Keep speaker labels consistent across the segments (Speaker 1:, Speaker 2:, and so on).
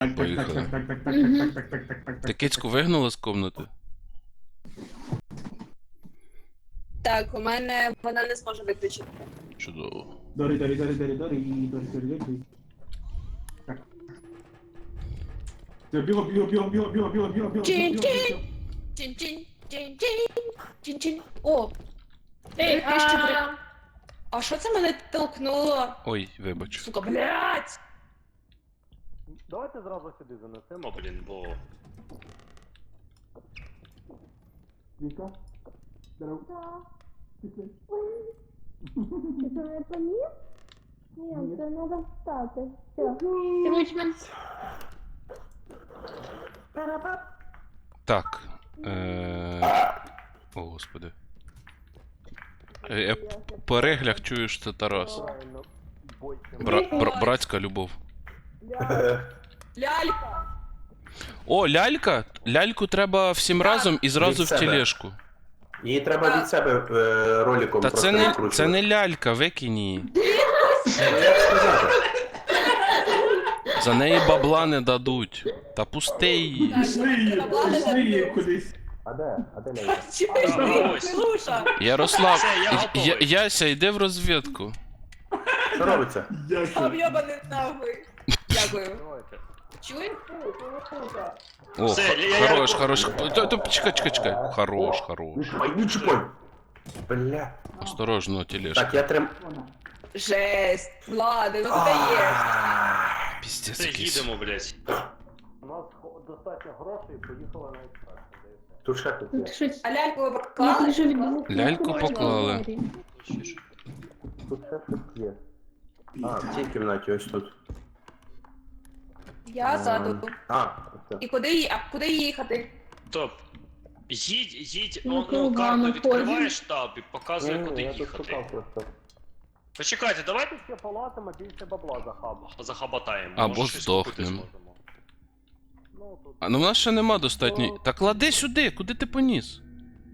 Speaker 1: Поїхали.
Speaker 2: Так.
Speaker 1: Ти кицьку вигнала з комнати?
Speaker 2: Так, у мене вона не зможе виключити.
Speaker 1: Чудово.
Speaker 3: Дорі. Так. Все, бігом.
Speaker 2: Чин-чин! Чин-чин! Чин-чин! Чин-чин! О!
Speaker 4: Ей,
Speaker 2: Нарешті А що це мене толкнуло?
Speaker 1: Ой, вибач.
Speaker 2: Сука, блядь!
Speaker 5: Давайте зразу сюди занесемо, блін, бо...
Speaker 3: Віка? Здоров.
Speaker 4: Ти що, не поніс? Ні, це треба встати. Все. Короче,
Speaker 1: Так. О, господи. Я по реглях чую, що це Тарас. Братська любов.
Speaker 2: Лялька!
Speaker 1: О, лялька! Ляльку треба всім разом і зразу
Speaker 6: Від
Speaker 1: в
Speaker 6: себе.
Speaker 1: тележку.
Speaker 6: Її треба від себе роликом
Speaker 1: Та
Speaker 6: просто
Speaker 1: це не
Speaker 6: викручувати.
Speaker 1: лялька, викинь її.
Speaker 6: Ну, як сказати?
Speaker 1: За неї бабла не дадуть. Та пусти її.
Speaker 3: Пішли її кудись.
Speaker 6: А де? А де Лейка?
Speaker 2: Чіпиш, Милуша!
Speaker 1: Ярослав,
Speaker 5: Все, я готовий.
Speaker 1: Яся, йди в розвідку.
Speaker 6: Що робиться?
Speaker 3: Дякую.
Speaker 2: Об'єбаний нахуй! Дякую.
Speaker 5: Давайте.
Speaker 2: Чуєш?
Speaker 1: О,
Speaker 5: Все,
Speaker 1: хорош. Чекай. Хорош.
Speaker 6: Не чіпай! Бля.
Speaker 1: Осторожно, тележка.
Speaker 6: Так, я
Speaker 2: Жесть! Ладно, ну ти даєш!
Speaker 1: Піздець
Speaker 5: Все,
Speaker 1: якийсь.
Speaker 5: їдемо, блядь. У нас достатньо грошей, поїхали на експрес.
Speaker 6: Тут ще тут є.
Speaker 4: ти щось...
Speaker 2: А ляльку ви
Speaker 4: Я
Speaker 2: поклали?
Speaker 4: дуже люблю.
Speaker 1: Ляльку поклали.
Speaker 6: Тут ще щось є. А, в цій кімнаті ось тут.
Speaker 2: Я ззаду.
Speaker 6: А, ось.
Speaker 2: І куди їхати?
Speaker 5: Топ. Їдь,
Speaker 4: Ну,
Speaker 5: ну, карту
Speaker 4: ладно,
Speaker 5: відкриваєш таб і показує,
Speaker 6: Ні,
Speaker 5: куди
Speaker 6: я тут
Speaker 5: їхати.
Speaker 6: шукав просто.
Speaker 5: Почекайте, давайте ще полазимо, більше бабла захабатаємо.
Speaker 1: Або
Speaker 5: Може, щось купити
Speaker 1: здохнем.
Speaker 5: зможемо. Ну, тут...
Speaker 1: А ну в нас ще нема достатньо. Та клади сюди, куди ти поніс?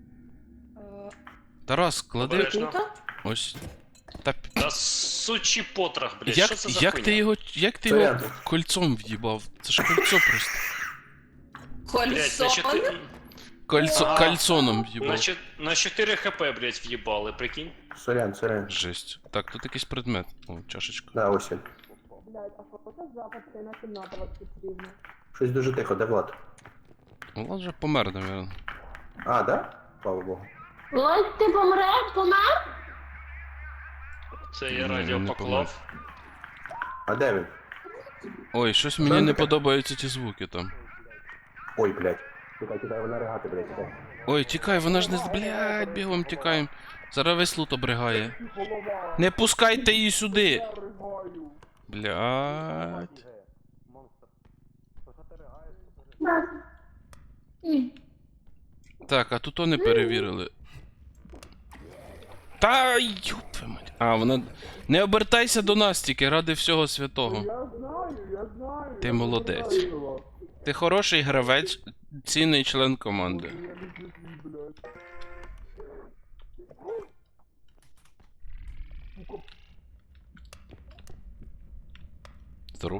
Speaker 1: Тарас, клади.
Speaker 5: Обережно.
Speaker 2: Тут?
Speaker 1: Ось. Та
Speaker 5: Та сучий потрох, блядь, що це за
Speaker 1: як
Speaker 5: хуйня?
Speaker 1: ти його
Speaker 6: Сорян.
Speaker 1: кольцом в'їбав? Це ж кольцо просто.
Speaker 5: Блядь,
Speaker 1: Кальцоном в'їбав.
Speaker 5: на 4 хп, блядь, в'їбали, прикинь.
Speaker 6: Сорян.
Speaker 1: Жесть. Так, тут якийсь предмет. О, чашечка.
Speaker 6: Да, ось він.
Speaker 2: Блядь, а що це запад? Це на кімната вас потрібно.
Speaker 6: Щось дуже тихо, де Влад?
Speaker 1: Влад вже помер, навірно.
Speaker 6: А, да? Слава Богу.
Speaker 4: Ось ти помер?
Speaker 5: Це я
Speaker 1: Ні,
Speaker 5: радіо
Speaker 1: не
Speaker 5: поклав.
Speaker 6: А де він?
Speaker 1: Ой, щось мені не подобаються ті звуки там.
Speaker 6: Ой, блядь. Кидай, вона ригати, блядь, кидай.
Speaker 1: Ой, тікай, вона ж не з. Блядь, бігом тікаємо. Зараз весь лут обригає. Не пускайте її сюди! Блядь.
Speaker 5: Монстр. То що ти ригаєш?
Speaker 4: Ні.
Speaker 1: Так, а тут то не перевірили. Та ёб твою мать. А, вона. Не обертайся до нас тільки ради всього святого.
Speaker 3: Я знаю.
Speaker 1: Ти молодець. Ти хороший гравець, цінний член команди. Здоров.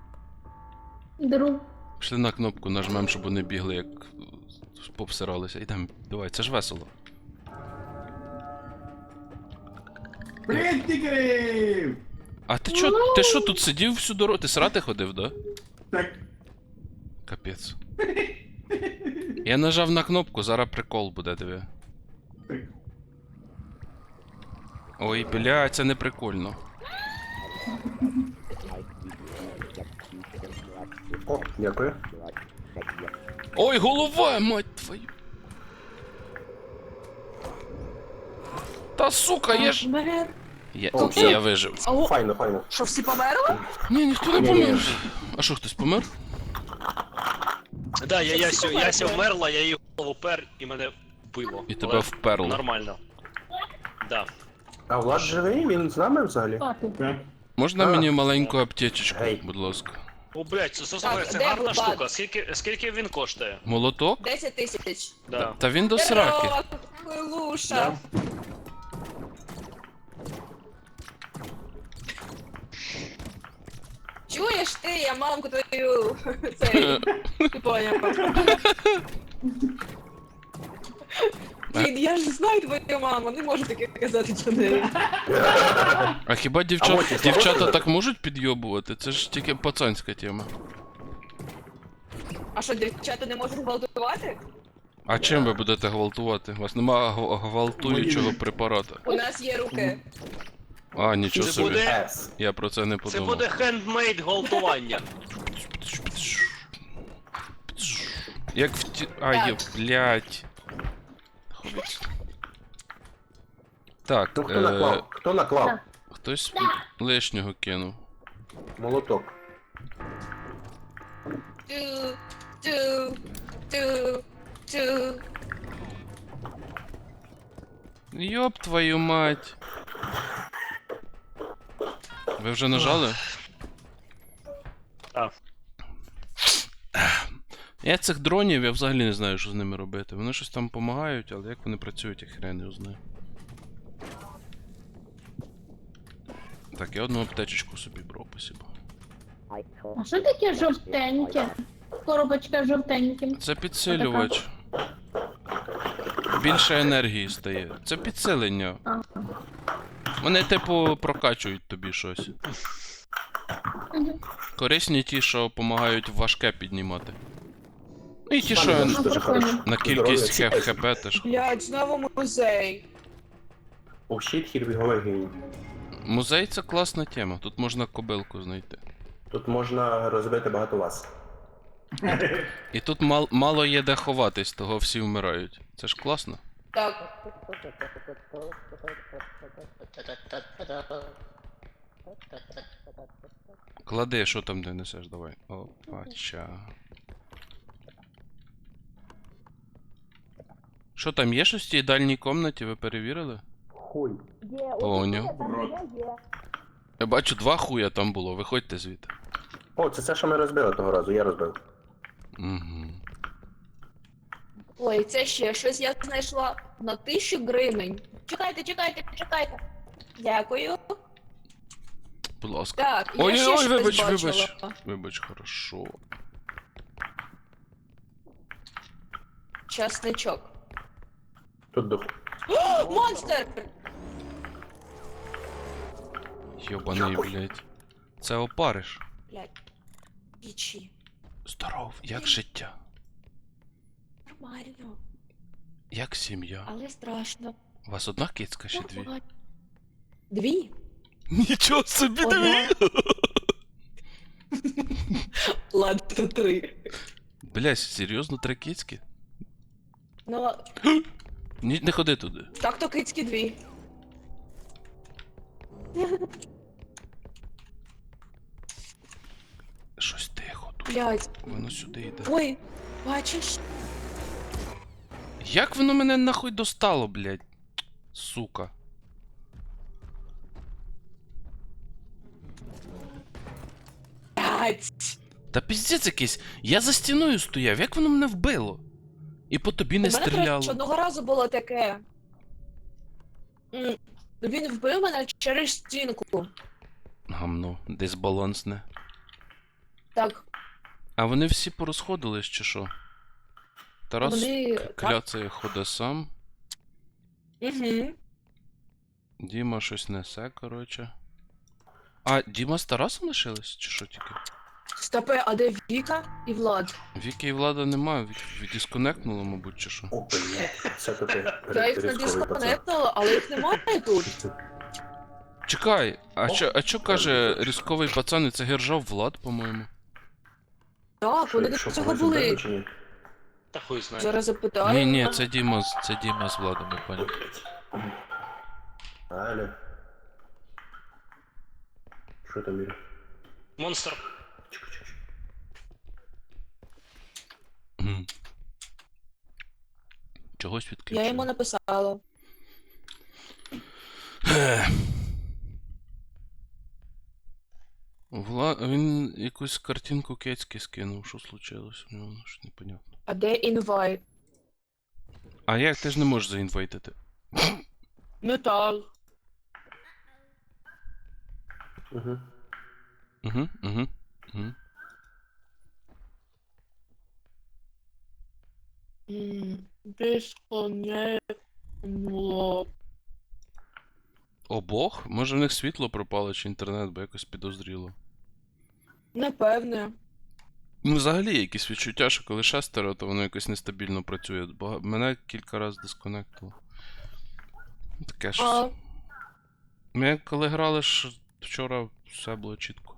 Speaker 4: Друг.
Speaker 1: Пішли на кнопку, нажмем, щоб вони бігли, як попсиралися. Ідем, давай, це ж весело.
Speaker 3: Привіт, тікерів!
Speaker 1: А ти що тут сидів всю дорогу? Ти срати ходив, да?
Speaker 3: Так.
Speaker 1: Капець. Я нажав на кнопку, зараз прикол буде, диви.
Speaker 3: Так.
Speaker 1: Ой, бля, це не прикольно.
Speaker 6: О, дякую.
Speaker 1: Ой, голова, мать твою. Та сука, я ж. Я вижив.
Speaker 6: Файно.
Speaker 2: Що, всі померли?
Speaker 1: Ні, ніхто не помер. А що, хтось помер?
Speaker 5: Да, Яся вмерла, я її голову пер і мене вбило.
Speaker 1: І тебе
Speaker 5: Але
Speaker 1: вперло.
Speaker 5: Нормально. Да.
Speaker 6: А Влад живий? Він з нами взагалі?
Speaker 4: Папі.
Speaker 3: Так.
Speaker 1: Можна
Speaker 6: А.
Speaker 1: мені маленьку аптечечку,
Speaker 6: Гей.
Speaker 1: будь ласка?
Speaker 5: О, блядь, це
Speaker 2: де
Speaker 5: гарна
Speaker 2: Влад?
Speaker 5: штука. Скільки він коштує?
Speaker 1: Молоток?
Speaker 2: 10 тисяч.
Speaker 5: Да.
Speaker 1: Та він до сраки.
Speaker 2: Здорово, Луша. Чуєш ти, я мамку твою. Цей. Ти поняв. Блін, я ж знаю твою маму, не можу таке казати про неї.
Speaker 1: А хіба дівчата так можуть підйобувати? Це ж тільки пацанська тема.
Speaker 2: А що, дівчата не можуть гвалтувати?
Speaker 1: А чим ви будете гвалтувати? У вас нема гвалтуючого препарата.
Speaker 2: У нас є руки.
Speaker 1: А, нічого
Speaker 5: Це
Speaker 1: собі.
Speaker 5: буде,
Speaker 6: С.
Speaker 1: Я про це не
Speaker 5: це
Speaker 1: подумав.
Speaker 5: буде хендмейд гвалтування.
Speaker 1: Як в ті... Ай, блядь. Хуйць. Так,
Speaker 6: Ну хто наклав? Хто наклав?
Speaker 1: хтось лишнього кинув.
Speaker 6: Молоток.
Speaker 2: Ту, ту, ту, ту.
Speaker 1: Йоп твою мать. Ви вже нажали?
Speaker 5: Так.
Speaker 1: Я цих дронів, я взагалі не знаю, що з ними робити. Вони щось там допомагають, але як вони працюють, я хрен його знаю. Так, я одну аптечечку собі брав, спасибо.
Speaker 4: А що таке жовтеньке? Коробочка жовтеньке.
Speaker 1: Це підсилювач. Більше енергії стає. Це підсилення.
Speaker 4: Ага.
Speaker 1: Вони, типу, прокачують тобі щось.
Speaker 4: Мгм.
Speaker 1: Корисні ті, що допомагають важке піднімати. Ну і ті,
Speaker 6: Пане,
Speaker 1: що
Speaker 6: дуже
Speaker 4: прикольно.
Speaker 6: хорошо.
Speaker 1: на кількість
Speaker 6: Здоров'я,
Speaker 1: хп теж.
Speaker 2: Блядь, знову музей.
Speaker 6: Oh shit, here we go again.
Speaker 1: Музей це класна тема. Тут можна кобилку знайти.
Speaker 6: Тут можна розбити багато вас.
Speaker 1: І тут мало є де ховатись, того всі вмирають. Це ж класно.
Speaker 2: Так.
Speaker 1: Клади, що там ти несеш, давай. Опача. Що там є щось в тій дальній комнаті, ви перевірили?
Speaker 6: Хуй.
Speaker 1: Поняв.
Speaker 3: Рот.
Speaker 1: Я бачу, 2 хуя там було, виходьте звідти.
Speaker 6: О, це що ми розбили того разу, я розбив.
Speaker 1: Угу.
Speaker 2: Ой, це ще щось я знайшла на 1000 гривень. Чекайте, чекайте, чекайте. Дякую.
Speaker 1: Будь ласка.
Speaker 2: Так, я ще
Speaker 1: Ой-ой-ой,
Speaker 2: щось
Speaker 1: вибач,
Speaker 2: бачила.
Speaker 1: вибач. Вибач, хорошо.
Speaker 2: Часничок.
Speaker 6: Тут дух.
Speaker 2: О, монстр!
Speaker 1: Йобаний, блядь. Це опариш.
Speaker 2: Блядь. Ічі.
Speaker 1: Здоров, як життя?
Speaker 2: Нормально,
Speaker 1: Як сім'я?
Speaker 2: але страшно.
Speaker 1: У вас одна кицька чи 2?
Speaker 2: Нормально. 2?
Speaker 1: Нічого собі,
Speaker 2: Одна. Ладно, 3.
Speaker 1: Блядь, серйозно 3 кицьки?
Speaker 2: Ну,
Speaker 1: Ні, не ходи туди.
Speaker 2: так то кицькі 2.
Speaker 1: Щось тихо тут.
Speaker 2: Блядь.
Speaker 1: Воно сюди йде.
Speaker 2: Ой, бачиш?
Speaker 1: Як воно мене нахуй достало, блядь? Сука.
Speaker 2: Блядь.
Speaker 1: Та піздець якийсь. Я за стіною стояв, як воно мене вбило? І по тобі не
Speaker 2: У мене, до
Speaker 1: стріляло.
Speaker 2: речі, одного разу було таке. Він вбив мене через стінку.
Speaker 1: Гамно, дисбалансне.
Speaker 2: Так,
Speaker 1: А вони всі порозходились чи що? Тарас
Speaker 2: вони...
Speaker 1: кляцає ходить сам.
Speaker 2: Угу.
Speaker 1: Діма щось несе, коротше. А, Діма з Тарасом лишились? Чи що тільки?
Speaker 2: Стопе, а де Віка і Влад?
Speaker 1: Віки і Влада немає, відісконектнуло, мабуть, чи що?
Speaker 6: О, блядь. Це тут
Speaker 2: Я їх не дисконектила, але їх немає тут.
Speaker 1: Чекай, а чо каже різковий пацан, і це гержав Влад, по-моєму?
Speaker 2: Так, вони до цього були.
Speaker 5: Та хуй знає.
Speaker 2: Зараз запитаю.
Speaker 1: Ні, це Діма, це Діма з Владом, я понял.
Speaker 6: Алло. Що там, Юрій?
Speaker 5: Монстр.
Speaker 6: Чекай.
Speaker 1: Мгм. Чогось відключив.
Speaker 2: Я йому написала.
Speaker 1: Він якусь картинку кецьки скинув, що случилось у нього, що непонятно.
Speaker 2: А де інвайт?
Speaker 1: А як ти ж не можеш заінвайтити?
Speaker 2: Метал.
Speaker 6: Угу.
Speaker 1: Угу. М?
Speaker 2: Дисконектнуло.
Speaker 1: Обох? Може в них світло пропало чи інтернет, бо якось підозріло.
Speaker 2: Напевне.
Speaker 1: Ну, взагалі, є якісь відчуття, що коли шестеро, то воно якось нестабільно працює. Мене кілька разів дисконектило. Таке щось.
Speaker 2: А,
Speaker 1: Ми коли грали ж вчора, все було чітко.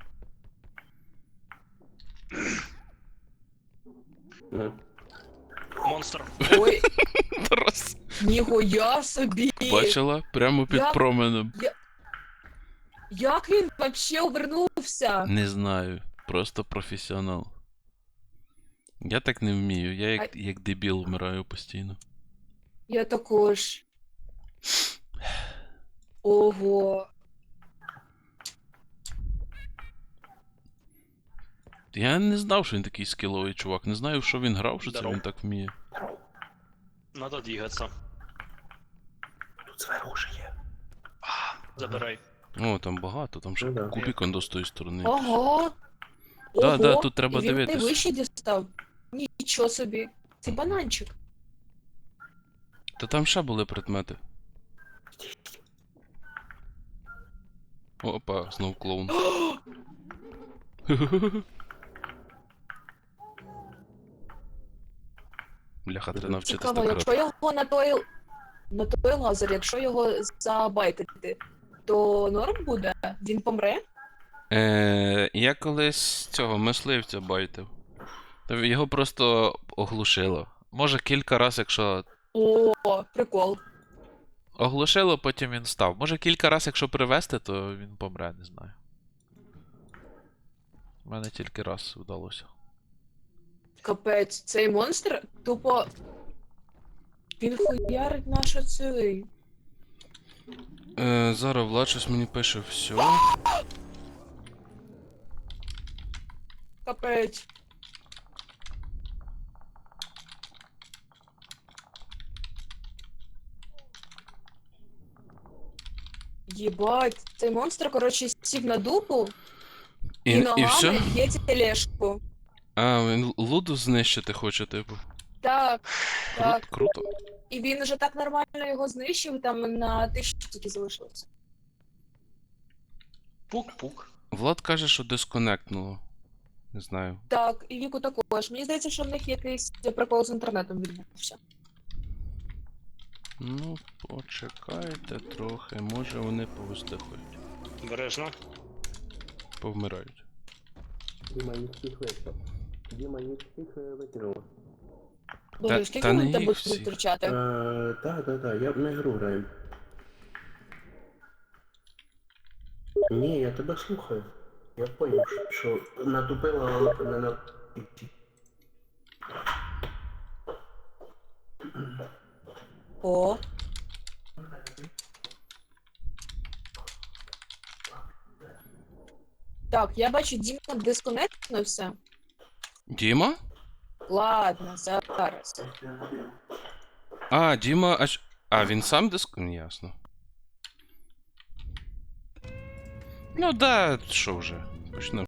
Speaker 6: Ну.
Speaker 5: Монстр.
Speaker 2: ой,
Speaker 1: Тарас,
Speaker 2: ніхуя собі.
Speaker 1: бачила? Прямо під
Speaker 2: Я-
Speaker 1: променем.
Speaker 2: Як він вообще обернувся?
Speaker 1: Не знаю. Просто професіонал. Я так не вмію, я як дебіл вмираю постійно.
Speaker 2: Я також. Ого.
Speaker 1: Я не знав, що він такий скіловий чувак. Не знаю, в що він грав, що це
Speaker 5: Здоров.
Speaker 1: він так вміє.
Speaker 5: Надо двигаться.
Speaker 6: Тут зверху ще є.
Speaker 5: Забирай.
Speaker 1: О, там багато, там ще
Speaker 6: Ну да.
Speaker 1: кубик он до з тої сторони.
Speaker 2: Ого.
Speaker 1: Да, да,
Speaker 2: Ого.
Speaker 1: тут треба
Speaker 2: І він
Speaker 1: дивитись.
Speaker 2: найвище дістав. Нічого собі. Це бананчик.
Speaker 1: Та там ще були предмети. Опа, знов клоун. Бляха, треба навчитись
Speaker 2: Цікаво,
Speaker 1: так
Speaker 2: якщо
Speaker 1: грати.
Speaker 2: його на той лазер, якщо його забайтити, то норм буде? Він помре?
Speaker 1: Я колись цього мисливця байтив. Та його просто оглушило. Може кілька раз, якщо.
Speaker 2: О, прикол.
Speaker 7: Оглушило, потім він став. Може кілька разів, якщо привезти, то він помре, не знаю. У мене тільки раз вдалося.
Speaker 2: Капець, цей монстр тупо. Він хуярить нашу цей.
Speaker 1: Зараз Влад щось мені пише все.
Speaker 2: Капець. Єбать, цей монстр, коротше, сів на дупу і,
Speaker 1: І
Speaker 2: ногами
Speaker 1: все?
Speaker 2: б'є тележку.
Speaker 1: А, він луду знищити хоче, типу.
Speaker 2: Так, так.
Speaker 1: Круто.
Speaker 2: І він уже так нормально його знищив, там на 1000 тільки залишилося.
Speaker 5: Пук-пук.
Speaker 1: Влад каже, що дисконектнуло. Не знаю.
Speaker 2: Так, і Віку також. Мені здається, що в них якийсь прикол з інтернетом відбувся.
Speaker 1: Ну, почекайте трохи, може вони повистихують.
Speaker 5: Бережно.
Speaker 1: Повмирають.
Speaker 6: Діма їх всіх викинув. Діма їх всіх викинув.
Speaker 2: Боже, скільки
Speaker 1: та
Speaker 2: ми
Speaker 1: не
Speaker 2: тебе
Speaker 1: їх
Speaker 2: будемо
Speaker 1: всіх.
Speaker 2: втручати?
Speaker 6: Так, ми гру граємо. Ні, я тебе слухаю. Я поняв, що натупила, але не на...
Speaker 2: О. Так, я бачу, Діма дисконектнувся.
Speaker 1: Діма?
Speaker 2: Ладно, зараз.
Speaker 1: А, Діма, а він сам Ясно. Ну да, що вже. Почнемо